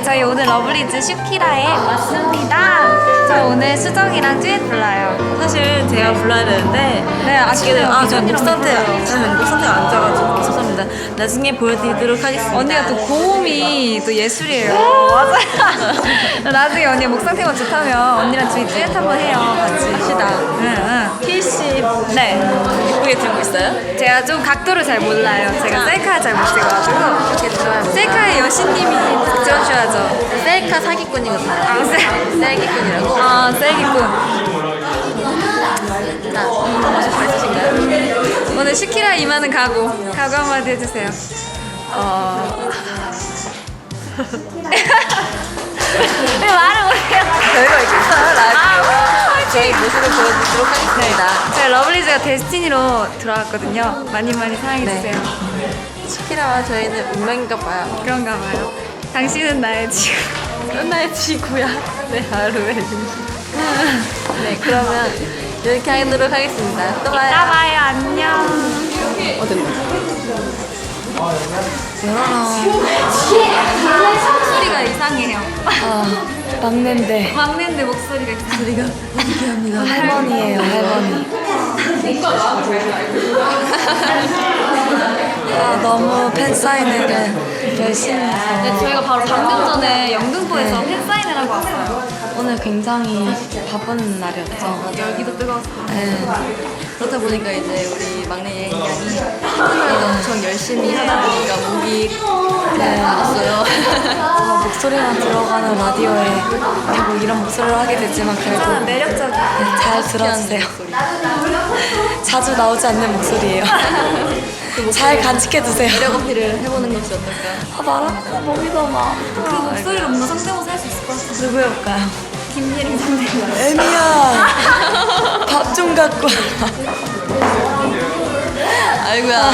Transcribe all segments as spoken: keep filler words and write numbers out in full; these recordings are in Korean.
네, 저희 오늘 러블리즈 슈키라에 왔습니다. 저 오늘 수정이랑 듀엣 불러요. 사실 제가 불러야 되는데 네, 아쉽네요. 아, 저 목 언니랑 상태, 불러요. 저는 목 상태가 안 좋아가지고 죄송합니다. 나중에 보여드리도록 하겠습니다. 언니가 또 고음이 또 예술이에요. 맞아요. 나중에 언니 목 상태가 좋다면 언니랑 저희 듀엣 한번 해요. 같이. 합시다. 응, 응. 필시 네. 예쁘게 들고 있어요? 제가 좀 각도를 잘 몰라요. 제가 셀카 잘 못 찍어가지고. 이렇게 들어요. 셀카의 여신님이 찍어주셔야죠. 셀카 사기꾼이거든요. 아, 셀. 셀기꾼이라고. 아, 셀기꾼. 자, 한 번씩 가르치신가요? 오늘 슈키라 이마는 각오. 각오 한마디 해주세요. 어. 왜 말을 못해요? 별거 있겠어요, 라이브. 아, 저희 모습을 보여드리도록 하겠습니다. 저희 러블리즈가 데스티니로 들어왔거든요. 많이 많이 사랑해주세요. 슈키라와 저희는 운명인가 봐요. 그런가 봐요. 당신은 나의 지구. 나의 지구야. 내 하루의 중심. 네, 그러면 이렇게 하도록 하겠습니다. 또 봐요. 이따 봐요. 안녕. 목소리가 이상해요. 아, 막내인데 막내인데 목소리가 이상해요. 할머니예요, 할머니. 아, 너무 팬 사인회를 열심히 해서 네, 저희가 바로 방금 전에 영등포에서 팬사인을 하고 왔어요. 오늘 굉장히 바쁜 날이었죠. 열기도 뜨거웠어요. 네. 그렇다 보니까 이제 우리 막내 예인양이 팬사인회를 엄청 열심히 하다 보니까 목이 나갔어요. 아, 목소리만 들어가는 라디오에 결국 이런 목소리를 하게 되지만 괜찮아, 결국 매력적이야. 네, 잘 들어주세요. 자주 나오지 않는 목소리예요. 잘 간직해두세요. 매력 어필을 해보는 것이 어떨까? 아, 말하니까 목이 너무 아파. 그 목소리로 뭔가 성대모사 할 수 있을 것 같아. 누구일까요? 김예림 선배님. 애미야, 밥 좀 갖고 와. 아이고야.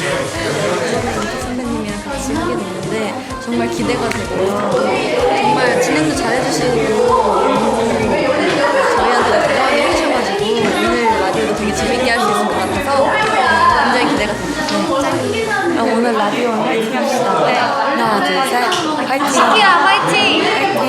선배님이랑 같이 하게 됐는데 정말 기대가 되고요. 정말 진행도 잘해주시고 저희한테 대화를 해주셔가지고 오늘 라디오도 되게 재밌게 할 수 있을 것 같아서 굉장히 기대가 됩니다. 그럼 오늘 라디오 화이팅 합시다. 네. 하나, 둘, 셋. 화이팅! 슈키라 화이팅!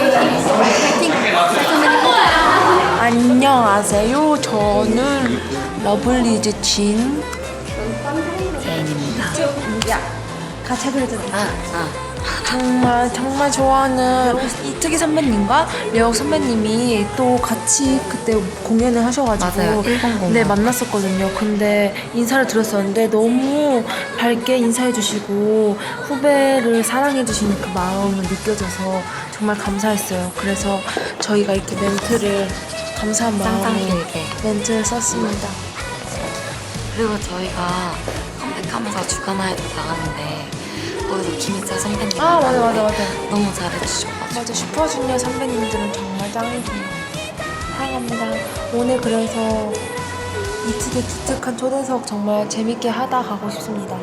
안녕하세요. 저는 러블리즈 진 제인입니다. 같이 해드리자. 아, 아. 정말 정말 좋아하는 이특기 선배님과 려욱 선배님이 또 같이 그때 공연을 하셔가지고 맞아요. 일본 공연. 네, 만났었거든요. 근데 인사를 드렸었는데 너무 밝게 인사해주시고 후배를 사랑해주시는 그 마음을 느껴져서 정말 감사했어요. 그래서 저희가 이렇게 멘트를 감사한 마음에 길게. 멘트를 썼습니다. 그리고 저희가 컴백하면서 주간화에도 나갔는데 거기서 김희철 선배님 아, 맞아, 맞아, 맞아. 너무 잘해주셔가지고 맞아, 슈퍼주니어 선배님들은 정말 짱이세요. 사랑합니다. 오늘 그래서 이특의 기특한 초대석 정말 재밌게 하다 가고 싶습니다.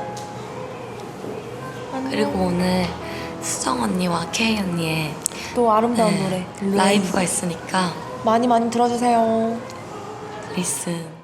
안녕. 그리고 오늘 수정 언니와 K 언니의 또 아름다운 네, 노래 라이브가 있으니까 많이 많이 들어주세요. 리슨